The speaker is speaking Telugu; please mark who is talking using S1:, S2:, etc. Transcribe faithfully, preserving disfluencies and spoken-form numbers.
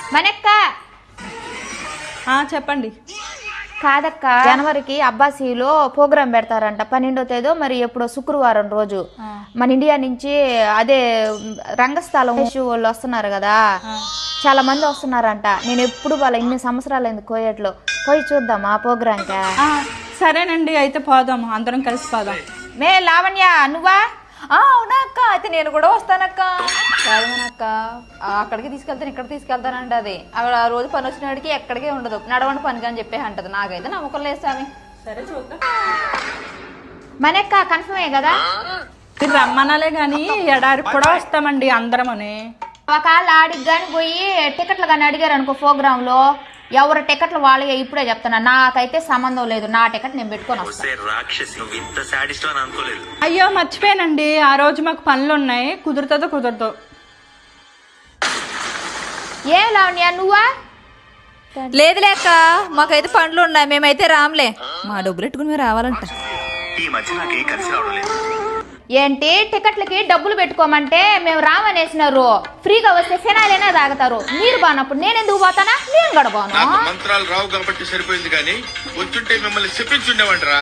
S1: మనక్క
S2: చెప్పండి.
S1: కాదక్క, జనవరికి అబ్బాసీలో ప్రోగ్రాం పెడతారంట పన్నెండో తేదీ, మరి ఎప్పుడో శుక్రవారం రోజు మన ఇండియా నుంచి. అదే రంగస్థలం వాళ్ళు వస్తున్నారు కదా, చాలా మంది వస్తున్నారంట. నేను ఎప్పుడు వాళ్ళ ఇన్ని సంవత్సరాలు అయింది కోయట్లో, పోయి చూద్దామా ప్రోగ్రాంకా?
S2: సరేనండి, అయితే పోదాము, అందరం కలిసి పోదాం.
S1: మే లావణ్య నువ్వా?
S3: అవునా అక్క, అయితే నేను కూడా వస్తానక్క. కాదనక్క, అక్కడికి తీసుకెళ్తాను ఇక్కడ తీసుకెళ్తానంట. అది అక్కడ రోజు పని వచ్చిన వాడికి ఎక్కడికే ఉండదు, నడవండి పనికి అని చెప్పే అంటది. నాకైతే నమ్మకం లేదు స్వామి.
S2: సరే చూద్దాం.
S1: మనక్క కన్ఫర్మే కదా?
S2: మీరు రమ్మనాలే గాని ఎడారికి కూడా వస్తామండి అందరం అని.
S1: ఒకవేళ ఆడికి కానీ పోయి టికెట్లు కానీ అడిగారు అనుకో ప్రోగ్రామ్ లో, ఎవరు టికెట్లు వాళ్ళే ఇప్పుడే చెప్తున్నా, నాకైతే సంబంధం లేదు, నా టికెట్ నేను పెట్టుకొని వస్తాను.
S2: అయ్యో మర్చిపోయానండి, ఆ రోజు మాకు పనులు ఉన్నాయి, కుదురుతుందో కుదరదో.
S1: ఏం లావణ్య నువ్వా?
S3: లేదు లేక మాకైతే పనులు ఉన్నాయి, మేమైతే రామ్లే. మా డబ్బులు పెట్టుకుని మీరు రావాలంట.
S1: ఏంటి టికెట్లకి డబ్బులు పెట్టుకోమంటే మేము రామనేసినారు, ఫ్రీగా వస్తే ఫినాయిలైనా తాగుతారు. మీరు బానప్పుడు నేను ఎందుకు పోతానా? నేను కూడా పోను.
S4: మంత్రాలు రావు కాబట్టి సరిపోయింది, కానీ వచ్చుంటే మిమ్మల్ని చెప్పించుండేవంటరా.